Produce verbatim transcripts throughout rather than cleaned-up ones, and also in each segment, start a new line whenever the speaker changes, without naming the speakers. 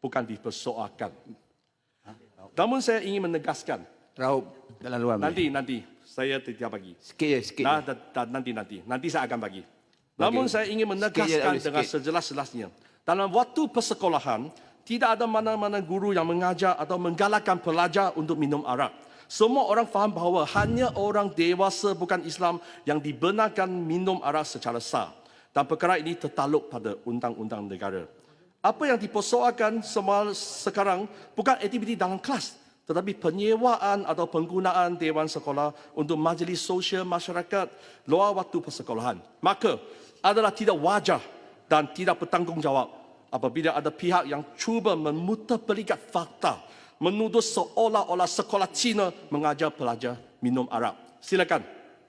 bukan dipersoalkan. Namun saya ingin menegaskan.
Raup, dalam luar.
Nanti, nanti. Saya tidak bagi.
Sikit je, sikit
nah,
je.
da, da, nanti, nanti. Nanti saya akan bagi.
Bagi.
Namun saya ingin menegaskan
je,
dengan
sikit.
sejelas-jelasnya. Dalam waktu persekolahan, tidak ada mana-mana guru yang mengajar atau menggalakkan pelajar untuk minum arak. Semua orang faham bahawa hanya orang dewasa bukan Islam yang dibenarkan minum arak secara sah. Dan perkara ini tertakluk pada undang-undang negara. Apa yang dipersoalkan sekarang bukan aktiviti dalam kelas, tetapi penyewaan atau penggunaan dewan sekolah untuk majlis sosial masyarakat luar waktu persekolahan. Maka adalah tidak wajar dan tidak bertanggungjawab apabila ada pihak yang cuba memutarbalikan fakta, menuduh seolah-olah sekolah Cina mengajar pelajar minum arak. Silakan.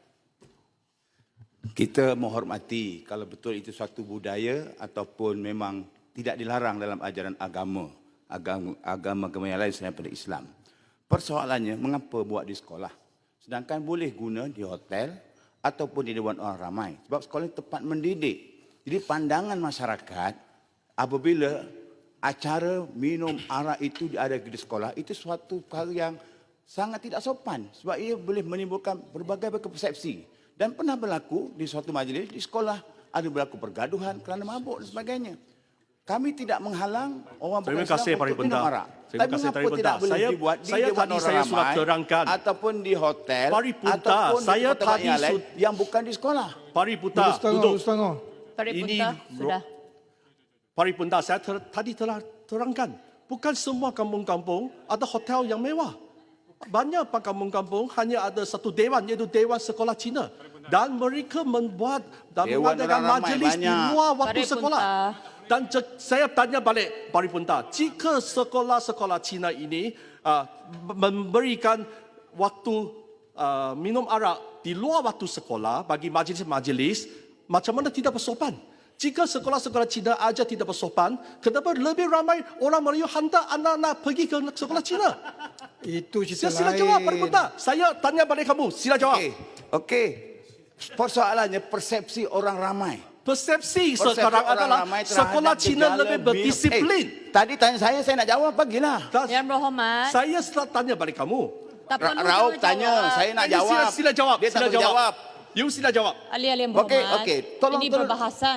Kita menghormati kalau betul itu suatu budaya ataupun memang tidak dilarang dalam ajaran agama, agama agama-agama yang lain selain daripada Islam. Persoalannya, mengapa buat di sekolah? Sedangkan boleh guna di hotel ataupun di dewan orang ramai. Sebab sekolah itu tempat mendidik. Jadi pandangan masyarakat, apabila acara minum arak itu ada di sekolah, itu suatu perkara yang sangat tidak sopan. Sebab ia boleh menimbulkan berbagai persepsi. Dan pernah berlaku di suatu majlis, di sekolah, ada berlaku pergaduhan kerana mabuk dan sebagainya. Kami tidak menghalang orang bukan Islam untuk minum arak.
Terima
Tapi
kasih,
mengapa
Paripurna.
tidak boleh
Saya,
dibuat di
saya
dewan
tadi
orang
saya sudah
ramai,
terangkan.
ataupun di hotel,
Paripurna,
ataupun
saya
di tempat
tadi
yang lain
sud-
yang bukan di sekolah.
Paripurna,
Setengah,
duduk.
setengah.
Paripurna,
Ini-
sudah.
Paripurna, saya ter, tadi telah terangkan. Bukan semua kampung-kampung ada hotel yang mewah. Banyak kampung-kampung hanya ada satu dewan, iaitu Dewan Sekolah Cina. Dan mereka membuat dan
Dewan
mengadakan
orang ramai
majlis di
banyak.
luar waktu
Paripurna.
sekolah. Dan je- saya tanya balik, Paripurna, jika sekolah-sekolah Cina ini uh, memberikan waktu uh, minum arak di luar waktu sekolah bagi majlis-majlis, macam mana tidak bersopan? Jika sekolah-sekolah Cina aja tidak bersopan, kenapa lebih ramai orang Melayu hantar anak-anak pergi ke sekolah Cina?
Itu cerita
Sila, sila
lain.
jawab, Paripurna. Saya tanya balik kamu, sila jawab.
Okey, okey. Persoalannya persepsi orang ramai.
Persepsi,
Persepsi
sekarang
orang
adalah
ramai terhadap
sekolah Cina
gejala
lebih
minum-
berdisiplin.
Eh, tadi tanya saya, saya nak jawab, bagilah.
Dan
Yang berhormat,
saya setelah tanya balik kamu.
tak
Ra-
perlu
Raup
jawab.
tanya, saya nak
Ini
jawab.
Sila, sila jawab.
Dia
sila
tak boleh jawab.
You sila jawab.
Ahli-ahli yang
Okey,
berhormat,
okey. Tolong,
ini
tolong.
berbahasan.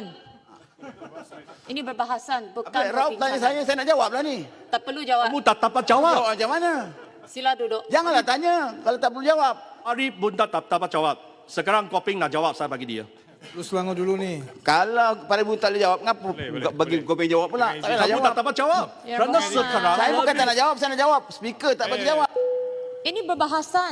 Ini berbahasan, bukan
Apa, Raup
topik
tanya
sana.
saya, saya nak jawab lah ni.
Tak perlu jawab.
Kamu tak dapat jawab.
Jawab macam mana?
Sila duduk.
Janganlah tanya kalau tak perlu jawab.
Hari Bunda tak dapat jawab. Sekarang Koping nak jawab, saya bagi dia.
Lu Selangor dulu ni.
Kalau pada ibu tak boleh jawab, kenapa bagi kau pengen jawab pula? Tak payahlah
Kamu
jawab.
tak dapat jawab.
Ya,
Kerana
Rahman.
sekarang
Saya bukan tak nak jawab, saya nak jawab. Speaker tak bagi jawab.
Ini berbahasan.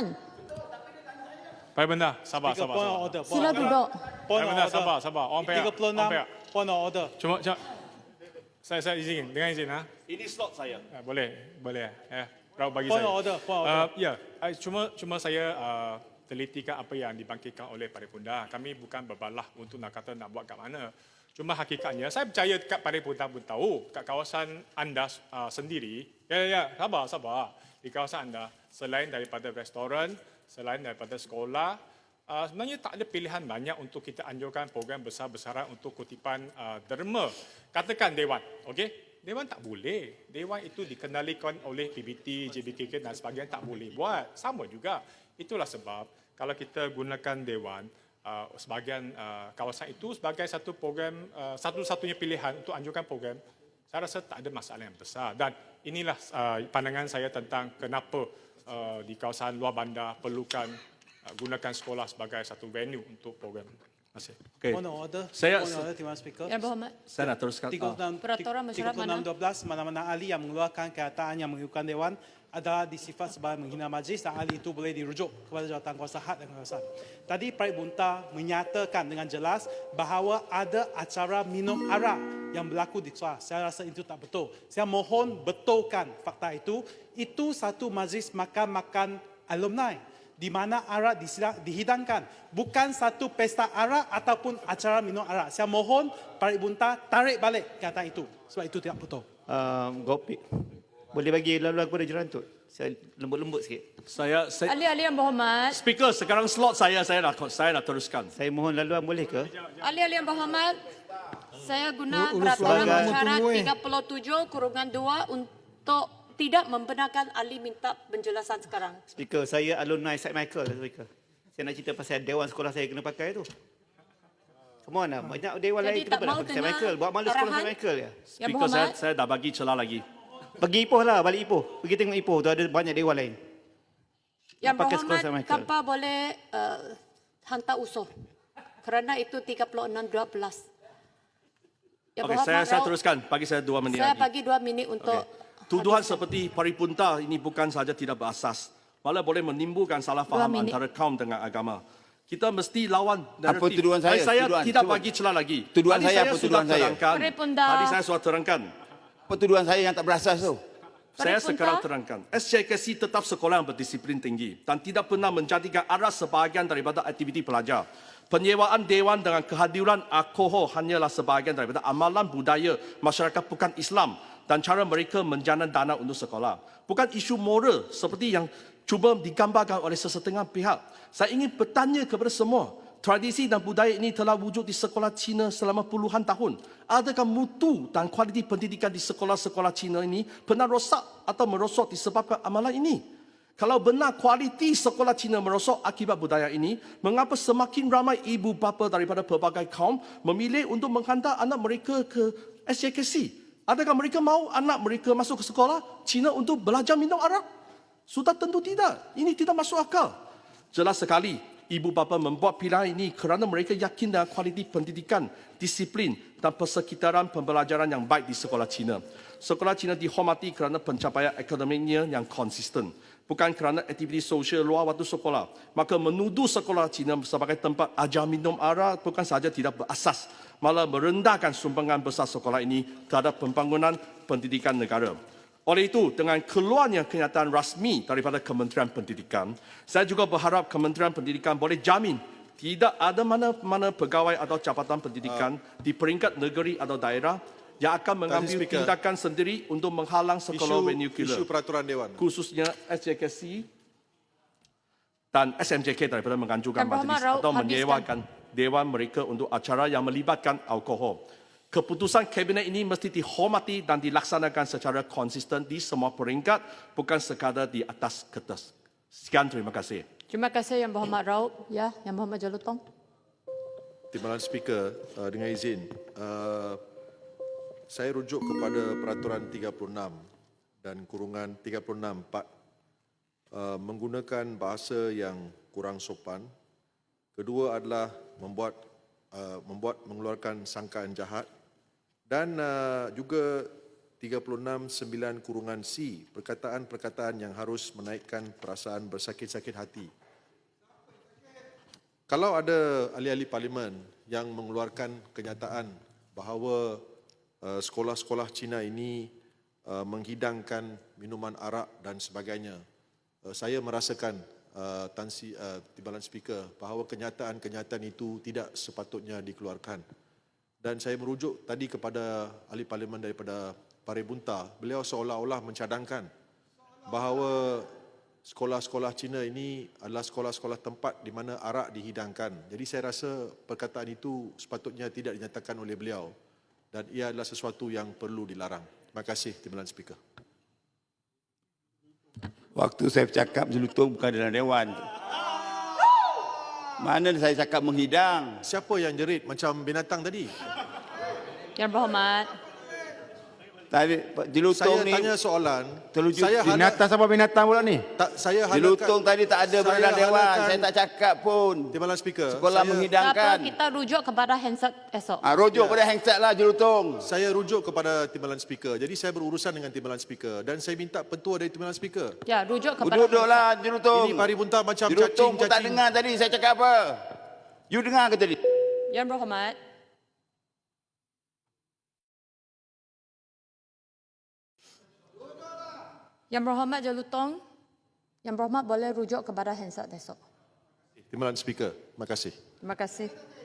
Paripurna, sabar,
Tiga
sabar,
point of
sabar.
order.
Sila duduk.
Point of
Paripurna,
order.
sabar, sabar. Orang pihak,
tiga puluh enam
orang pihak.
point of order.
Cuma, cuma saya saya izin, dengan izin ha.
ini slot saya.
Ah, boleh, boleh. Eh, Raup bagi
Point
saya.
of order, point of
Ah,
order.
ya, ah, cuma cuma saya uh, telitikan apa yang dibangkitkan oleh Paripurna. Kami bukan berbalah untuk nak kata nak buat kat mana. Cuma hakikatnya, saya percaya kat Paripurna pun tahu, kat kawasan anda uh, sendiri, ya, ya, ya, sabar, sabar. Di kawasan anda, selain daripada restoran, selain daripada sekolah, uh, sebenarnya tak ada pilihan banyak untuk kita anjurkan program besar-besaran untuk kutipan uh, derma. Katakan Dewan, okey? Dewan tak boleh. Dewan itu dikenalikan oleh P B T, J B K K dan sebagainya, tak boleh buat. Sama juga. Itulah sebab kalau kita gunakan Dewan, uh, sebahagian uh, kawasan itu sebagai satu program, uh, satu-satunya pilihan untuk anjurkan program, saya rasa tak ada masalah yang besar. Dan inilah uh, pandangan saya tentang kenapa uh, di kawasan luar bandar perlukan uh, gunakan sekolah sebagai satu venue untuk program. Terima kasih.
Okay.
Point of order.
Saya-
Point of order, Tuan Speaker.
Yang berhormat.
Saya nak teruskan.
tiga puluh enam,
Peraturan mesyuarat
tiga puluh enam
mana?
dua belas, mana-mana ahli yang mengeluarkan kenyataan yang mengikutkan Dewan adalah disifat sebagai menghina majlis dan ahli itu boleh dirujuk kepada jawatankuasa had dan kawasan. Tadi Paripurna menyatakan dengan jelas bahawa ada acara minum arak yang berlaku di kelas. Saya rasa itu tak betul. Saya mohon betulkan fakta itu. Itu satu majlis makan-makan alumni di mana arak disila- dihidangkan. Bukan satu pesta arak ataupun acara minum arak. Saya mohon Paripurna tarik balik kata itu. Sebab itu tidak betul.
Uh, Gopik, boleh bagi laluan kepada Jerantut? Saya lembut-lembut sikit.
Saya, saya
Ahli-ahli yang berhormat.
speaker sekarang slot saya, saya nak saya nak teruskan.
Saya mohon laluan boleh ke?
Ahli-ahli yang berhormat. Saya guna
Ulu- Ulu
peraturan
Selangor
syarat
tunggu, eh.
tiga puluh tujuh kurungan dua untuk tidak membenarkan ahli minta penjelasan sekarang.
Speaker, saya alumni Saint Michael, Speaker. Saya nak cerita pasal dewan sekolah saya kena pakai tu. Come on lah, banyak dewan
Jadi
lain
tak
kenapa nak
mau
pakai Saint
dengar
Michael? Buat malu sekolah
arahan?
Saint Michael ya.
Yang
Speaker, saya,
berhormat,
saya dah bagi celah lagi.
Pergi Ipoh lah, balik Ipoh. Pergi tengok Ipoh, tu ada banyak dewan lain.
Yang
pakai sekolah
berhormat,
Saint Michael.
Kappa boleh uh, hantar usul. Kerana itu tiga puluh enam dua belas. Yang
Okey, saya, saya
Raub,
teruskan. Bagi saya dua minit
Saya
lagi.
bagi dua minit untuk
Tuduhan seperti paripunta ini bukan sahaja tidak berasas, malah boleh menimbulkan salah faham
minit.
antara kaum dengan agama. Kita mesti lawan
Apa
naratif.
tuduhan saya?
Saya
Tuduhan,
tidak
tuduhan.
bagi celah lagi.
Tuduhan
Tadi
saya apa
sudah
tuduhan saya?
terangkan.
Paripunda.
Tadi saya sudah terangkan.
Apa tuduhan saya yang tak berasas tu?
Saya
Paripunda.
sekarang terangkan. S J K C tetap sekolah yang berdisiplin tinggi dan tidak pernah menjadikan aras sebahagian daripada aktiviti pelajar. Penyewaan dewan dengan kehadiran alkohol hanyalah sebahagian daripada amalan budaya masyarakat bukan Islam dan cara mereka menjana dana untuk sekolah. Bukan isu moral seperti yang cuba digambarkan oleh sesetengah pihak. Saya ingin bertanya kepada semua, tradisi dan budaya ini telah wujud di sekolah Cina selama puluhan tahun. Adakah mutu dan kualiti pendidikan di sekolah-sekolah Cina ini pernah rosak atau merosot disebabkan amalan ini? Kalau benar kualiti sekolah Cina merosot akibat budaya ini, mengapa semakin ramai ibu bapa daripada pelbagai kaum memilih untuk menghantar anak mereka ke S J K C? Adakah mereka mahu anak mereka masuk ke sekolah Cina untuk belajar minum arak? Sudah tentu tidak. Ini tidak masuk akal. Jelas sekali, ibu bapa membuat pilihan ini kerana mereka yakin dengan kualiti pendidikan, disiplin dan persekitaran pembelajaran yang baik di sekolah Cina. Sekolah Cina dihormati kerana pencapaian akademiknya yang konsisten, bukan kerana aktiviti sosial luar waktu sekolah. Maka menuduh sekolah Cina sebagai tempat ajar minum arak bukan sahaja tidak berasas, malah merendahkan sumbangan besar sekolah ini terhadap pembangunan pendidikan negara. Oleh itu, dengan keluarnya kenyataan rasmi daripada Kementerian Pendidikan, saya juga berharap Kementerian Pendidikan boleh jamin tidak ada mana-mana pegawai atau jabatan pendidikan uh, di peringkat negeri atau daerah yang akan mengambil
Speaker,
tindakan sendiri untuk menghalang sekolah
isu,
vernacular,
isu peraturan Dewan.
khususnya S J K C dan S M J K daripada menganjurkan
Yang Berhormat
majlis
Raub,
atau
habiskan.
menyewakan dewan mereka untuk acara yang melibatkan alkohol. Keputusan Kabinet ini mesti dihormati dan dilaksanakan secara konsisten di semua peringkat, bukan sekadar di atas kertas. Sekian, terima kasih.
Terima kasih Yang Berhormat Raub. Ya, Yang Berhormat Jalutong.
Timbalan Speaker, uh, dengan izin, uh, saya rujuk kepada peraturan tiga puluh enam dan kurungan tiga puluh enam empat uh, menggunakan bahasa yang kurang sopan. Kedua adalah membuat uh, membuat mengeluarkan sangkaan jahat dan uh, juga tiga puluh enam sembilan kurungan C, perkataan-perkataan yang harus menaikkan perasaan bersakit-sakit hati. Kalau ada ahli-ahli parlimen yang mengeluarkan kenyataan bahawa uh, sekolah-sekolah Cina ini uh, menghidangkan minuman arak dan sebagainya, uh, saya merasakan uh, Tan Si, uh, Timbalan Speaker bahawa kenyataan-kenyataan itu tidak sepatutnya dikeluarkan. Dan saya merujuk tadi kepada ahli parlimen daripada Paribunta, beliau seolah-olah mencadangkan bahawa sekolah-sekolah Cina ini adalah sekolah-sekolah tempat di mana arak dihidangkan. Jadi saya rasa perkataan itu sepatutnya tidak dinyatakan oleh beliau dan ia adalah sesuatu yang perlu dilarang. Terima kasih, Timbalan Speaker.
Waktu saya bercakap jelutong bukan dalam dewan. Mana saya cakap menghidang?
Siapa yang jerit macam binatang tadi?
Yang Berhormat.
Tadi jelutong
Saya
ni
tanya soalan.
terlucu.
Saya harap,
Binatang sama binatang pula ni?
tak, saya
jelutong
harapkan,
tadi tak ada
saya
dalam dewan.
harapkan-
Saya tak cakap pun.
Timbalan Speaker,
Sekolah
saya,
menghidangkan.
Apa kita rujuk kepada handset esok?
Ah, rujuk pada handset lah jelutong.
saya rujuk kepada Timbalan Speaker. Jadi saya berurusan dengan Timbalan Speaker dan saya minta pentua dari Timbalan Speaker.
Ya, rujuk kepada
Duduklah jelutong.
Ini Paribunta macam
Jelutong pun tak
cacing-cacing.
dengar tadi saya cakap apa. You dengar ke tadi?
Yang Berhormat. Yang Berhormat Jalutong. Yang Berhormat boleh rujuk kepada handset esok.
Timbalan Speaker, terima kasih.
Terima kasih.